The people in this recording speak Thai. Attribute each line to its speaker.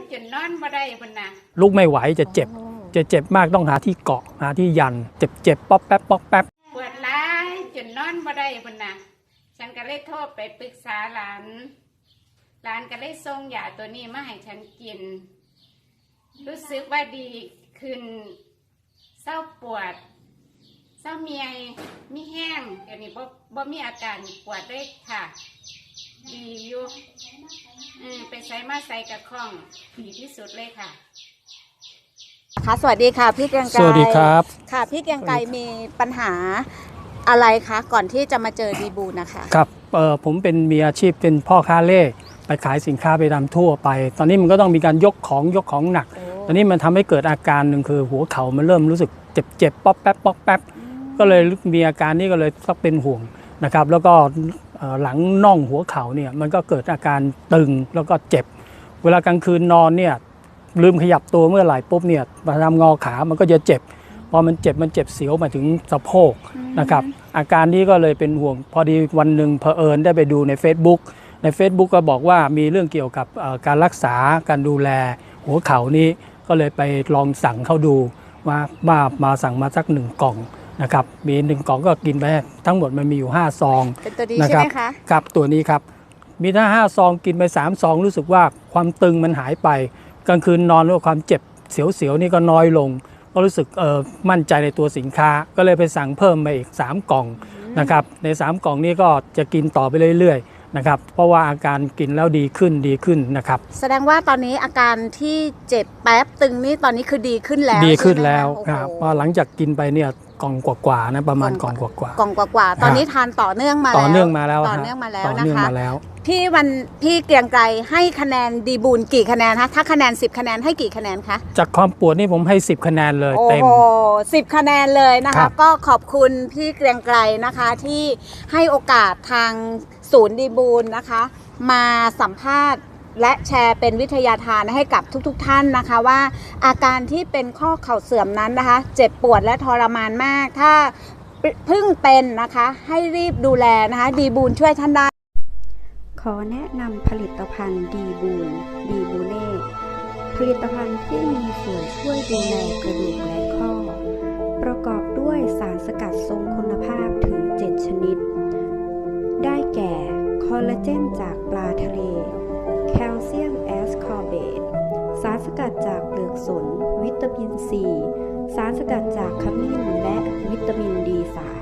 Speaker 1: จนนอนบ่ได้พุ่นน่ะ
Speaker 2: ลุกไม่ไหวจะเจ็บมากต้องหาที่เกาะหาที่ยันเจ็บป๊อกแป๊บป๊อกแป๊บ
Speaker 1: ปวดร้ายจนนอนบ่ได้พุ่นน่ะฉันก็เลยโทรไปปรึกษาหลานก็เลยส่งยาตัวนี้มาให้ฉันกินรู้สึกว่าดีขึ้นเศร้าปวดเศร้าเมียมีแห้งเดี๋ยวนี้บ่มีอาการปวดเลยค่ะดีอยู่ไปใส่มาใส่กับข้องดีที่สุดเลยค่ะ
Speaker 3: ค่ะสวัสดีค่ะพี่เกรียงไกร
Speaker 2: สวัสดีครับ
Speaker 3: ค่ะพี่เกรียงไกรมีปัญหาอะไรคะก่อนที่จะมาเจอดีบูนนะคะ
Speaker 2: ครับผมมีอาชีพเป็นพ่อค้าเล่ไปขายสินค้าไปตามทั่วไปตอนนี้มันก็ต้องมีการยกของหนักตอนนี้มันทำให้เกิดอาการหนึ่งคือหัวเข่ามันเริ่มรู้สึกเจ็บป๊อกแป๊บป๊อกแป๊บก็เลยมีอาการนี้ก็เลยต้องเป็นห่วงนะครับแล้วก็หลังน่องหัวเข่าเนี่ยมันก็เกิดอาการตึงแล้วก็เจ็บเวลากลางคืนนอนเนี่ยลืมขยับตัวเมื่อไหร่ปุ๊บเนี่ยมาทำงอขามันก็จะเจ็บพอมันเจ็บเสียวมาถึงสะโพกนะครับอาการนี้ก็เลยเป็นห่วงพอดีวันหนึ่งเผอิญได้ไปดูใน Facebook ก็บอกว่ามีเรื่องเกี่ยวกับการรักษาการดูแลหัวเข่านี้ก็เลยไปลองสั่งเข้าดูมาสั่งมาสัก1 กล่องนะครับมี1 กล่องก็กินไปทั้งหมดมันมีอยู่5 ซอง
Speaker 3: เป็นตัวดีใช่ไหมคะ
Speaker 2: ครับตัวนี้ครับมีถ้า5 ซองกินไป3 ซองรู้สึกว่าความตึงมันหายไปกลางคืนนอนแล้วความเจ็บเสียวๆนี่ก็น้อยลงก็รู้สึกมั่นใจในตัวสินค้าก็เลยไปสั่งเพิ่มมาอีก3 กล่องนะครับใน3 กล่องนี้ก็จะกินต่อไปเรื่อยๆนะครับเพราะว่าอาการกินแล้วดีขึ้นนะครับ
Speaker 3: แสดงว่าตอนนี้อาการที่เจ็บแป๊บตึงนี่ตอนนี้คือดีขึ้นแล้ว
Speaker 2: ครับพอหลังจากกินไปเนี่ยกล่องกว่าๆนะประมาณกล่องกว่า
Speaker 3: ตอนนี้ทานต่อเนื่องมาแล้วนะคะพี่เกรียงไกรให้คะแนนดีบูนกี่คะแนนคะถ้าคะแนน10 คะแนนให้กี่คะแนนคะ
Speaker 2: จากความปวดนี่ผมให้10 คะแนนเลยเต็ม
Speaker 3: 10 คะแนนเลยนะคะก็ขอบคุณพี่เกรียงไกรนะคะที่ให้โอกาสทางศูนย์ดีบูนนะคะมาสัมภาษณ์และแชร์เป็นวิทยาทานให้กับทุกท่านนะคะว่าอาการที่เป็นข้อเข่าเสื่อมนั้นนะคะเจ็บปวดและทรมานมากถ้าเพิ่งเป็นนะคะให้รีบดูแลนะคะดีบูนช่วยท่านได้
Speaker 4: ขอแนะนำผลิตภัณฑ์ดีบูเน่ผลิตภัณฑ์ที่มีส่วนช่วยดูแลกระดูกและข้อประกอบด้วยสารสกัดทรงคุณภาพถึง7 ชนิดได้แก่คอลลาเจนจากปลาทะเลแคลเซียมแอสคอร์เบตสารสกัดจากเปลือกสนวิตามินซีสารสกัดจากขมิ้นและวิตามิน D3